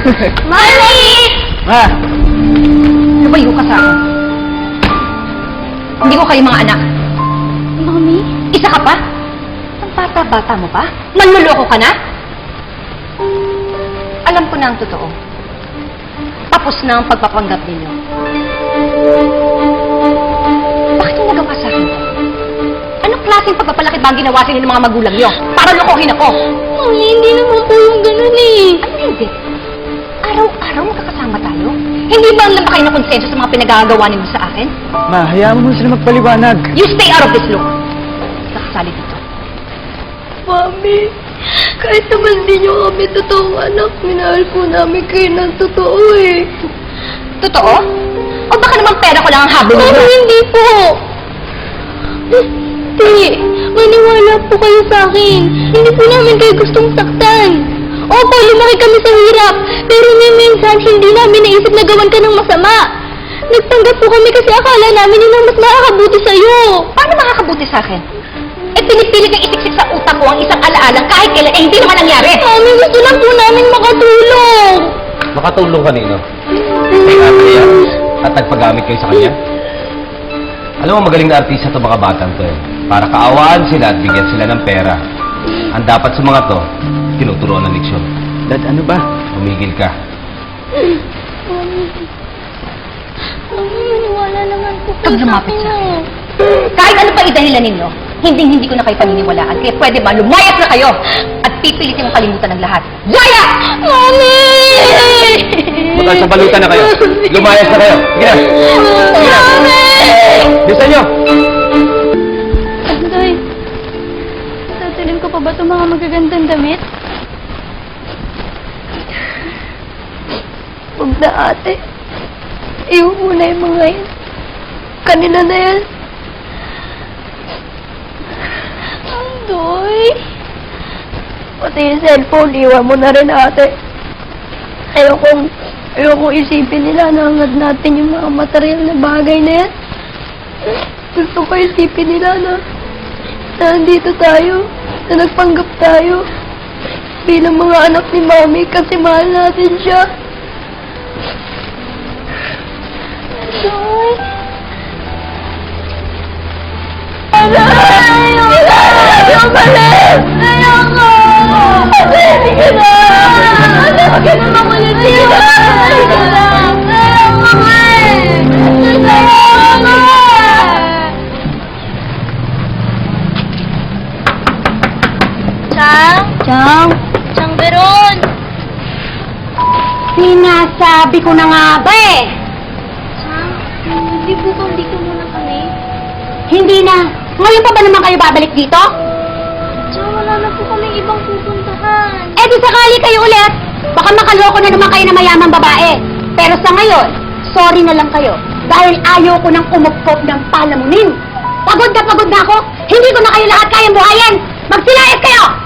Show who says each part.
Speaker 1: Mami!
Speaker 2: Ma!
Speaker 1: Lumayo ka sa akin. Hindi ko kayo mga anak.
Speaker 3: Mami?
Speaker 1: Isa ka pa? Ang bata-bata mo pa? Manluloko ka na? Alam ko na ang totoo. Tapos na ang pagpapanggap ninyo. Bakit yung nagawa sa akin? Anong klaseng pagpapalaki ba ang ginawa sa inyo ng mga magulang nyo? Para lokohin ako!
Speaker 3: Mami, hindi naman po yung ganun eh.
Speaker 1: Ano hindi? Araw-araw magkakasama tayo? Hindi ba ang kayo ng konsensya sa mga pinagagawa ninyo sa akin?
Speaker 2: Ma, hayaan mo sila magpaliwanag.
Speaker 1: You stay out of this room! Nakasali dito.
Speaker 3: Mami, kahit naman di nyo kami totoong anak, minahal po namin kayo ng totoo eh.
Speaker 1: Totoo? O baka naman pera ko lang ang habol
Speaker 3: Mami,
Speaker 1: ninyo?
Speaker 3: hindi po. Hindi, maniwala po kayo sa akin. Hindi po namin kayo gustong saktan. Opo, lumaki kami sa hirap, pero minsan hindi namin naisip na gawan ka ng masama. Nagtanggap po kami kasi akala namin yun ang mas makakabuti sa'yo.
Speaker 1: Paano makakabuti sa akin? Eh, pinipilit niyang isiksik sa utak ko ang isang alaala kahit kailan, eh, hindi naman nangyari.
Speaker 3: Mami, gusto lang po namin makatulong.
Speaker 4: Makatulong kanino? Kay Andrea? At nagpagamit kayo sa kanya? Alam mo, magaling na artista to mga batang to eh. Para kaawaan sila at bigyan sila ng pera. Ang dapat sa mga to, tinuturuan ng leksyon.
Speaker 2: Dad, ano ba?
Speaker 4: Tumigil ka.
Speaker 3: Mami, maniwala naman po
Speaker 1: Pag lumapit sa akin. Kahit ano pa idahilan ninyo, hindi ko na kayo paniniwalaan. Kaya pwede ba, lumayas na kayo at pipilitin mong kalimutan ng lahat. Laya!
Speaker 3: Mami!
Speaker 4: Bukan sa balutan na kayo. Lumayas na kayo. Sige na. Sige na.
Speaker 3: Mami!
Speaker 4: Bilisan nyo.
Speaker 3: Anday, tatalin ko pa ba itong mga magagandang damit? Huwag na ate. Iwan mo na yung mga yan. Kanila na yan. Andoy. Pati yung cellphone, iwan mo na rin ate. Ayokong isipin nila na hangad natin yung mga material na bagay na yan. Gusto ko isipin nila na nandito tayo, na nagpanggap tayo bilang mga anak ni Mami kasi mahal natin siya. Joy! Ayoko! Ayoko! Hindi ka na! Ayoko ka na makulit siya! Ayoko na! Ayoko nga! Ayoko! Chang? Chang Beron!
Speaker 1: Sinasabi ko na nga ba eh!
Speaker 3: Chang, hindi po ba dito muna kami?
Speaker 1: Hindi na! Ngayon pa ba naman kayo babalik dito?
Speaker 3: Chang, wala na po kami ibang pupuntahan.
Speaker 1: Eh di sakali kayo ulit! Baka makaloko na naman kayo na mayamang babae. Pero sa ngayon, sorry na lang kayo. Dahil ayaw ko nang umupkop ng palamunin. Pagod na ako! Hindi ko na kayo lahat kayang buhayin! Magsilayas kayo!